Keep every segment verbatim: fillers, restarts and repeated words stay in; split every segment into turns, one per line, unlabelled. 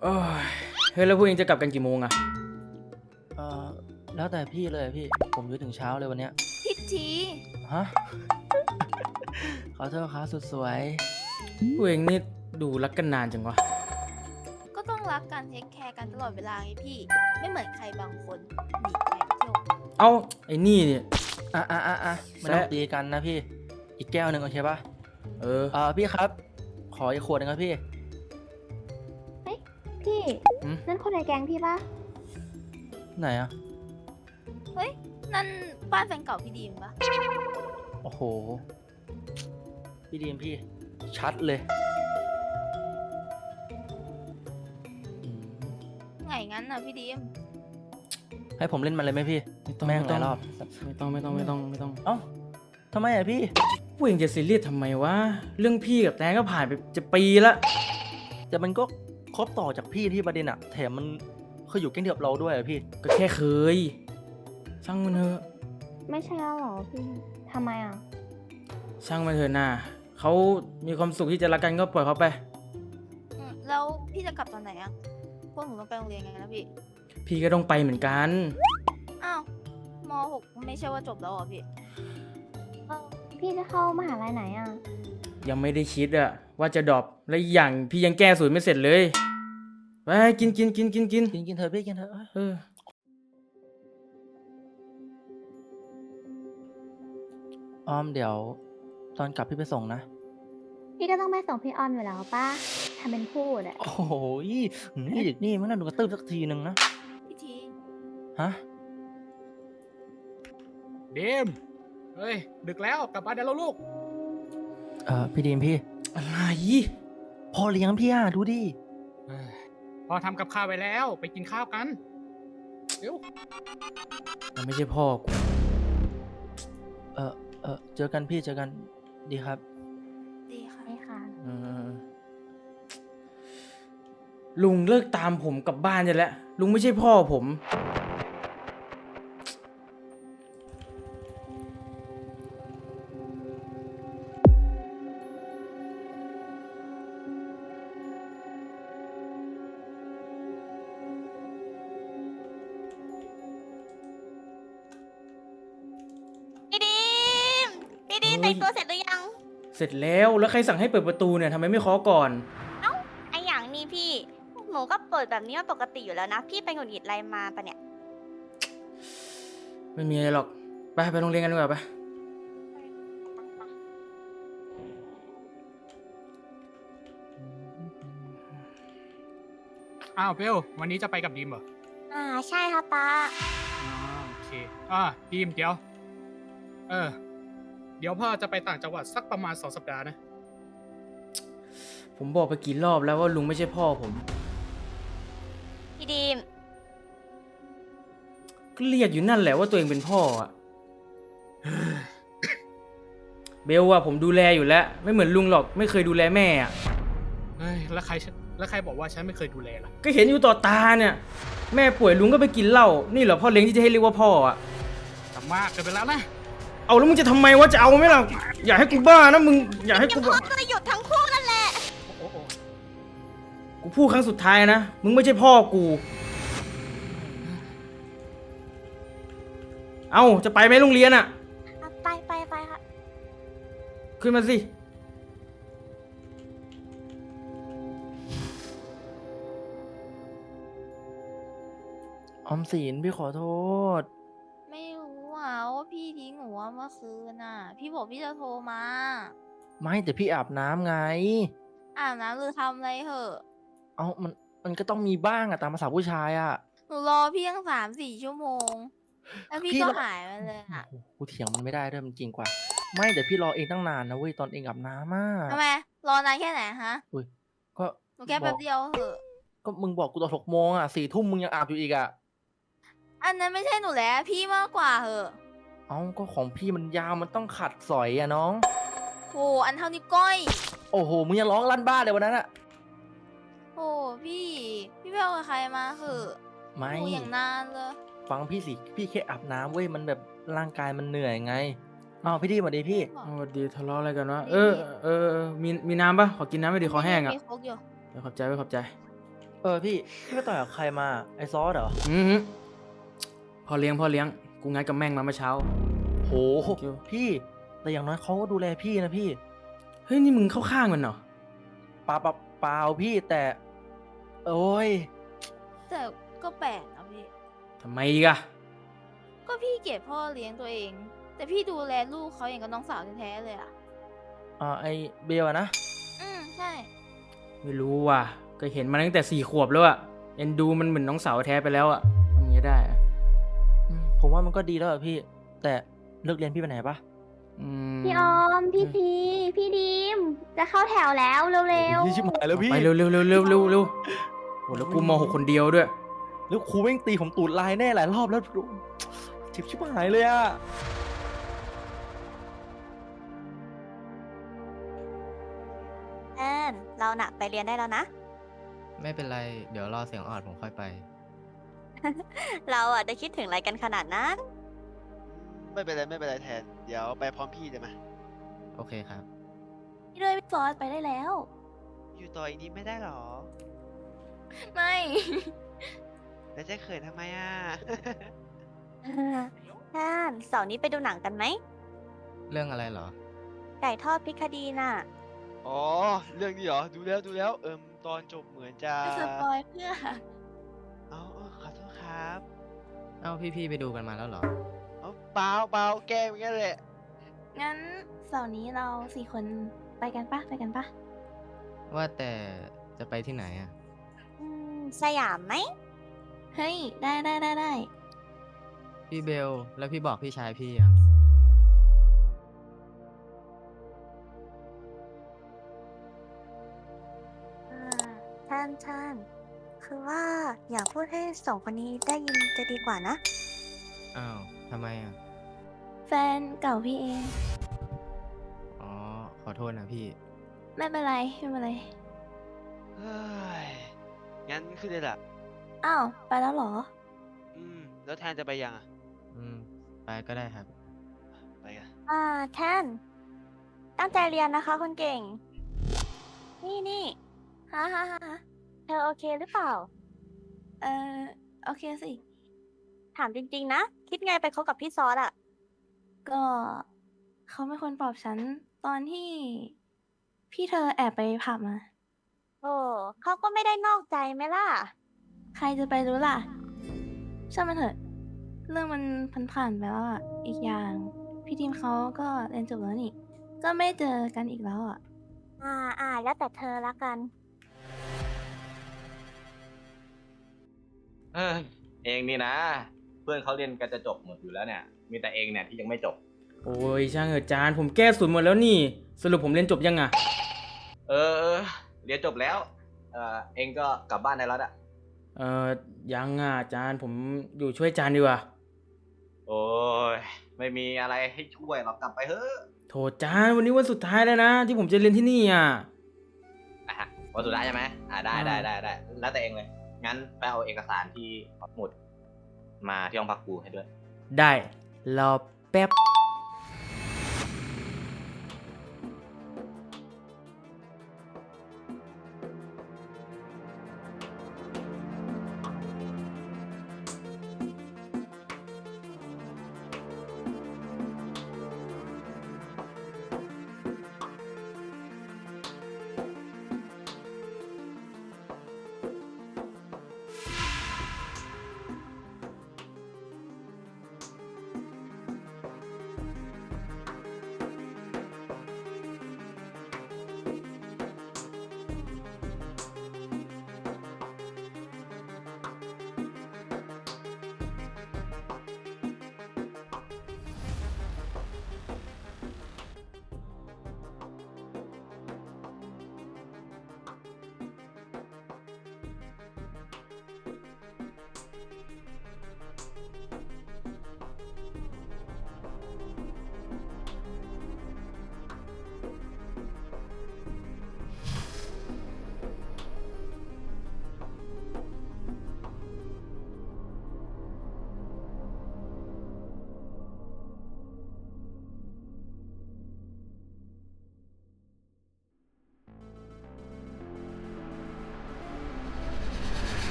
โอ้ยเฮ้ยแล้วพวกเองจะกลับกันกี่โมงอะ
เออแล้วแต่พี่เลยพี่ผมอยู่ถึงเช้าเลยวันเนี้ย
พิธี
ฮะ ขอโทษครับสุดสวย
พวกเองนี่ดูรักกันนานจังวะ
ก็ต้องรักกันเทคแคร์กันตลอดเวลาไงพี่ ไม่เหมือนใครบางคนหนีใครไปเที่ยว
เอ้าไอ้นี่เนี่ย
อ่ะอ่ะอ่ะอ่ะไม่ต้อง
แซะ
ตีกันนะพี่ อีกแก้วหนึ่งโอเคปะ
เออ
เออพี่ครับ ขออีกขวดหนึงครับพี่
พี่
หืม
นั่นคนในแก๊งพี่ปะ
ไหนอ่ะ
เฮ้ย นั่นบ้านแฟนเก่าพี่ดีมปะ
โอ้โห พี่ดีมพี่ ชัดเลยอืม
ไงงั้นน่ะพี่ดีม
ให้ผมเล่นมันเลยไหมพี่
ไม่ต้อง
แม่ง
ไม่
ห
ต้อ
ลาง ยรอบ
ไม่ต้องไม่ต้องไม่ต้องไม่ต้อง
เอ้าทำไมอ่ะพี่
พวกเองจะซีเรียสทำไมวะเรื่องพี่กับแตงก็ผ่านไปจะปีละ
แต่มันก็ครบต่อจากพี่ที่ประเด็นอะแถมมันเคยอยู่แก๊งเดียวกับเราด้วยอะพี่
ก็แค่เคยช่างมันเถอะ
ไม่ใช่แล้วเหรอพี่ทำไมอ่ะ
ช่างมันเถอะนะเขามีความสุขที่จะรักกันก็ปล่อยเขาไป
อืมแล้วพี่จะกลับตอนไหนอะพวกหนูต้องไปโรงเรียนไงนะพี่
พี่ก็ต้องไปเหมือนกัน
อ้าวมหกไม่ใช่ว่าจบแล้วเหรอพี่
เออพี่จะเข้ามหาลัยไหนอ่ะ
ยังไม่ได้คิดอะว่าจะดรอปและอีกอย่างพี่ยังแก้สูตรไม่เสร็จเลยไปกินกินกินกินกิน
กินกินเถอะพี่กินเถอะเอ้ย
เออ
ออมเดี๋ยว ตอนกลับพี่ไปส่งนะ
พี่ก็ต้องไปส่งพี่ออมอยู่แล้วป้าทำเป็นพูดอ่ะ
โอ้โหนี่เด็กนี่มันน่าดูกระตืบสักทีหนึ่งนะ
พี่ที
ฮะ
เดมเฮ้ย ดึกแล้วกลับบ้านได้แล้วลูก
เอ่อพี่ดีมพี่
อะไร
พอเลี้ยงพี่อ่ะดูดิ
เอ้ยพอทำกับข้าวไว้แล้วไปกินข้าวกัน เร็ว
มันไม่ใช่พ่อกู
เออเออเจอกันพี่เจอกันดีครับ
ดีค่ะ
ใช่ค่ะ
เออลุงเลิกตามผมกลับบ้านจะแล้วลุงไม่ใช่พ่อผม
พี่ดีมพี่ดีม
เฮ้
แต่
ย
งตัวเสร็จหรือยัง
เสร็จแล้วแล้วใครสั่งให้เปิดประตูเนี่ยทำไมไม่เคาะก่อน
ไออย่างนี้พี่ หนูก็เปิดแบบนี้มาปกติอยู่แล้วนะ พี่ไปหงุดหงิดอะไรมาปะเนี่ย
ไม่มีอะไรหรอกไปไปโรงเรียนกันดีกว่าไป
อ้าวเบลวันนี้จะไปกับดีมเหรอ
อ่าใช่ค่ะป้า
อ๋อโอเคอ่าดีมเดี๋ยว เออ เดี๋ยวพ่อจะไปต่างจังหวัดสักประมาณสองสัปดาห์นะ
ผมบอกไปกี่รอบแล้วว่าลุงไม่ใช่พ่อผม
พี่ดีม
ก็เรียกอยู่นั่นแหละว่าตัวเองเป็นพ่ออะ เบลอะผมดูแลอยู่แล้ว ไม่เหมือนลุงหรอกไม่เคยดูแลแม่อะ
เฮ้ย แล้วใครแล้วใครบอกว่าฉันไม่เคยดูแลล่ะ
ก็เห็นอยู่ต่อตาเนี่ย แม่ป่วยลุงก็ไปกินเหล้านี่เหรอพ่อเลี้ยงที่จะให้เรียกว่าพ่ออะ
ทำมากเกินไปแล้วนะ
เอาแล้วมึงจะทำไมวะจะเอาไหมล่ะอย่าให้กูบ้านะมึงอย่าให้กู
พ่
บ้า
อก็เลยหยุดทั้งคู่นั่นแหละ
โอ้โห
กูพูดครั้งสุดท้ายนะมึงไม่ใช่พ่อกู เอาจะไปไหมโรงเรียนอะ
อ่ะไปไปไปค่ะ
ขึ้นมาสิ
ออมสินพี่ขอโทษ
ไม่รู้อ่ะว่าพี่ทิ้งหนูว่าเมื่อคืนน่ะ พี่บอกพี่จะโทรมา
ไม่แต่พี่อาบน้ำไง
อาบน้ำหรือทำอะไรเหอะ
เอามันมันก็ต้องมีบ้างอะตามภาษาผู้ชายอะ
หนูรอพี่ตั้งสามสี่ชั่วโมง แล้วพี่
พี่
ก็
รอ
หายไปเลยอ่ะ
โอ้โหกูเถียงมันไม่ได้ด้วยมันจริงกว่า ไม่แต่พี่รอเองตั้งนานนะเว้ยตอนเองอาบน้ำอะ
ทำไม รอนานแค่ไหนฮะ
อุ้ยก็
หนูแค่แป๊บเดียวเหอะ
ก็มึงบอกกูตอนหกโมงอะสี่ทุ่มมึงยังอาบอยู่อีกอะ
อันนั้นไม่ใช่หนูแล้วพี่มากกว่าเหอะ
เอ้าก็ของพี่มันยาวมันต้องขัดสอยอะน้อง
โหอันเท่านิ้วก้อย
โอ้โหมึงยังร้องลั่นบ้านเลยวันนั้นอะ
โหพี่ พี่ไปเอากับใครมาเหอะ
ไม่
หนูอย่างนานเลย
ฟังพี่สิพี่แค่อาบน้ำเว้ยมันแบบร่างกายมันเหนื่อยไงอ้าวพี่ดีสวัสดีพี่
สวัสดีทะเลาะอะไรกันวะเออเออเออมีมีน้ำปะขอกินน้ำไม่ดีคอแห้งอะ
มีโคกอยู่
เดี๋ยวขอบใจไว้ขอบใจ
เออพี่พี่ไปต่อยกับใครมาไอซอสเหรอ
อือหือพอเลี้ยงพอเลี้ยงกูงัดกับแม่งมาเมื่อเช้า
โห
เกี่ยว
พี่ แต่อย่างน้อยเขาก็ดูแลพี่นะพี่
เฮ้ยนี่มึงเข้าข้างมันเหรอ
เปล่าเปล่าเปล่าพี่แต่ โอ้ย
แต่ก็แปลกนะพี่
ทำไมอีกอะ
ก็พี่เกลียดพ่อเลี้ยงตัวเอง แต่พี่ดูแลลูกเขาอย่างกับน้องสาวแท้ๆเลยอ่ะ
อ่าไอเบลอะนะ
อืมใช่
ไม่รู้ว่ะก็เห็นมาตั้งแต่สี่ขวบแล้วอะเอ็นดูมันเหมือนน้องสาวแท้ไปแล้วอะทำอย่างนี้ได้อะ
อืมผมว่ามันก็ดีแล้วอะพี่ แต่เลิกเรียนพี่ไปไหนปะ
อืม
พี่ออม พี่พีพี่ดีม จะเข้าแถวแล้วเร็ว
พี่ชิบหายแล้วพี่
ไปเร็วเร็วเร็วเร็วเร็วเร็วโอ้แล้วกูมหกคนเดียวด้วย
แล้วครูแม่งตีผมตูดลายแน่หลายรอบแล้วชิบชิบหายเลยอะ
แอนเราน่ะไปเรียนได้แล้วนะ
ไม่เป็นไร เดี๋ยวรอเสียงออดผมค่อยไป
เราอ่ะจะคิดถึงอะไรกันขนาดนั้น
ไม่เป็นไรไม่เป็นไรแทน เดี๋ยวไปพร้อมพี่ได้ไหม
โอเคครับ
พี่ด้วยพี่ฟอสไปได้แล้ว
อยู่ต่ออีกนิดไม่ได้หรอ
ไม่
แล้วจะเขินทำไมอ่ะ
แอนเสาร์นี้ไปดูหนังกันไหม
เรื่องอะไรเหรอ
ไก่ทอดพริกคดีน่ะ
อ๋อ เรื่องนี้เหรอ ดูแล้วดูแล้ว เอิมตอนจบเหมือนจะ
จะสปอยเพื่อ
เอาเอาขอโทษครับ
เอ้าพี่ๆไปดูกันมาแล้วเหรอ
เอาเปล่าเปล่าแกล้งอย่างเงี้ยแหละ
งั้นเสาร์นี้เราสี่คนไปกันปะไปกันปะ
ว่าแต่จะไปที่ไหนอ่ะ
อืม สยามไหม
เฮ้ย ได้ได้ได้ได้
พี่เบล แล้วพี่บอกพี่ชายพี่ยัง
อ่าท่านท่าน คือว่าอยากพูดให้สองคนนี้ได้ยินจะดีกว่านะ
อ้าวทำไมอ่ะ
แฟนเก่าพี่เอง
อ๋อ ขอโทษนะพี่
ไม่เป็นไรไม่เป็นไร
เฮ้ย งั้นขึ้นเลยล่ะ
อ้าว ไปแล้วเหรอ
อืม แล้วแทนจะไปยังอ่ะ
อืม ไปก็ได้ครับ
ไปกัน
อ่าแท่น ตั้งใจเรียนนะคะคนเก่ง นี่นี่
ฮะฮะฮะ
เธอโอเคหรือเปล่า
เออโอเคสิ
ถามจริงๆนะ คิดไงไปคบกับพี่ซอสอะ
ก็เขาเป็นคนปลอบฉันตอนที่ พี่เธอแอบไปผับมา
โอ้เขาก็ไม่ได้นอกใจไหมล่ะ
ใครจะไปรู้ล่ะ ช่างมันเถอะ เรื่องมันผ่านๆไปแล้วอ่ะ อีกอย่าง พี่ทีมเขาก็เรียนจบแล้วนี่ ก็ไม่เจอกันอีกแล้วอ่ะ
อ่าอ่าแล้วแต่เธอละกัน
เออเองนี่นะ เพื่อนเขาเรียนกันจะจบหมดอยู่แล้วเนี่ย มีแต่เองเนี่ยที่ยังไม่จบ
โอ้ยช่างเถอะจานผมแก้ศูนย์หมดแล้วนี่ สรุปผมเรียนจบยังอะ
เออเออเรียนจบแล้วเออเองก็กลับบ้านได้แล้วอะ
เออยังอะจานผมอยู่ช่วยจานดีกว่า
โอ้ยไม่มีอะไรให้ช่วยหรอกกลับไปเถอะ
โถจานวันนี้วันสุดท้ายแล้วนะ ที่ผมจะเรียนที่นี่อ่ะ
อ่ะฮะวันสุดท้ายใช่ไหมอ่าได้
อ่า
ได้ได้ได้แล้วแต่เองเลย งั้นไปเอาเอกสารที่หมุดมาที่ห้องพักครูให้ด้วย
ได้รอแป๊บ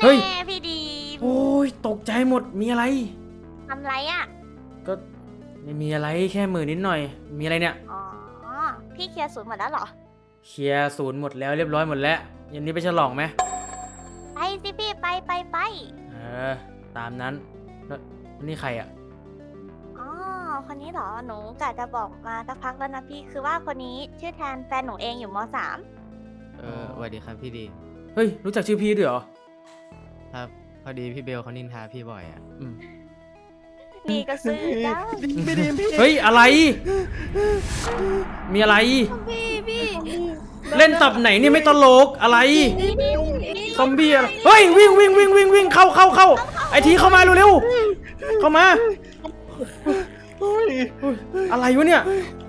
เฮ้ย
แม่พี่ดีม
โอ้ยตกใจหมดมีอะไร
ทำไรอ่ะ
ก็ไม่มีอะไรแค่มือนิดหน่อย มีอะไรเนี่ย
อ๋อ พี่เคลียร์ศูนย์หมดแล้วเหรอ
เคลียร์ศูนย์หมดแล้วเรียบร้อยหมดแล้วเย็นนี้ไปฉลองไหม
ไปสิพี่ไปไปไป
เออตามนั้นแล้วนี่ใครอ่ะ
อ๋อ คนนี้เหรอ หนูกะจะบอกมาสักพักแล้วนะพี่ คือว่าคนนี้ชื่อแทนแฟนหนูเองอยู่มสาม
เออสวัสดีครับพี่ดี
เฮ้ยรู้จักชื่อพี่ด้วยเหรอ
ครับ พอดีพี่เบลเขานินทาพี่บ่อยอ่ะ
อืม
นี่ก็ซื้อจ้า
พี่ดีมพี่
เฮ้ยอะไร มีอะไร
พี่พี่
เล่นตับไหนเนี่ยไม่ตลกอะไร
พี่พี่พี่
ซอมบี้อะไรเฮ้ยวิ่งวิ่งวิ่งวิ่งวิ่งเข้าเข้าเข้าไอทีเข้ามาเร็วๆเข้ามา
เฮ้ย
เฮ้ยอะไรวะเนี่ย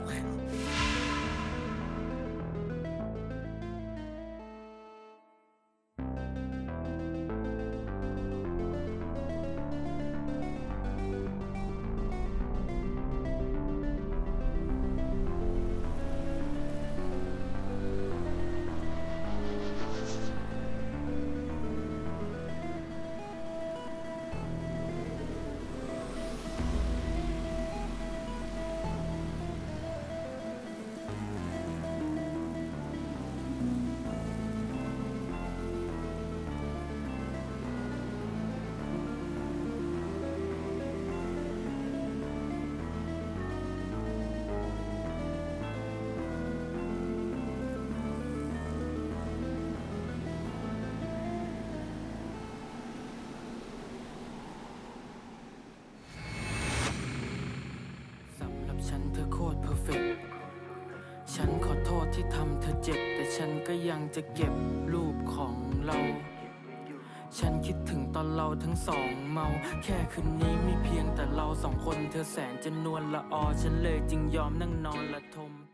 สำหรับฉันเธอโคตรเพอร์เฟกต์ฉันขอโทษที่ทำเธอเจ็บ แต่ฉันก็ยังจะเก็บรูปของเรา ฉันคิดถึงตอนเราทั้งสองเมา แค่คืนนี้มีเพียงแต่เราสองคน เธอแสนจะนวลละออ ฉันเลยจึงยอมนั่งนอนละทม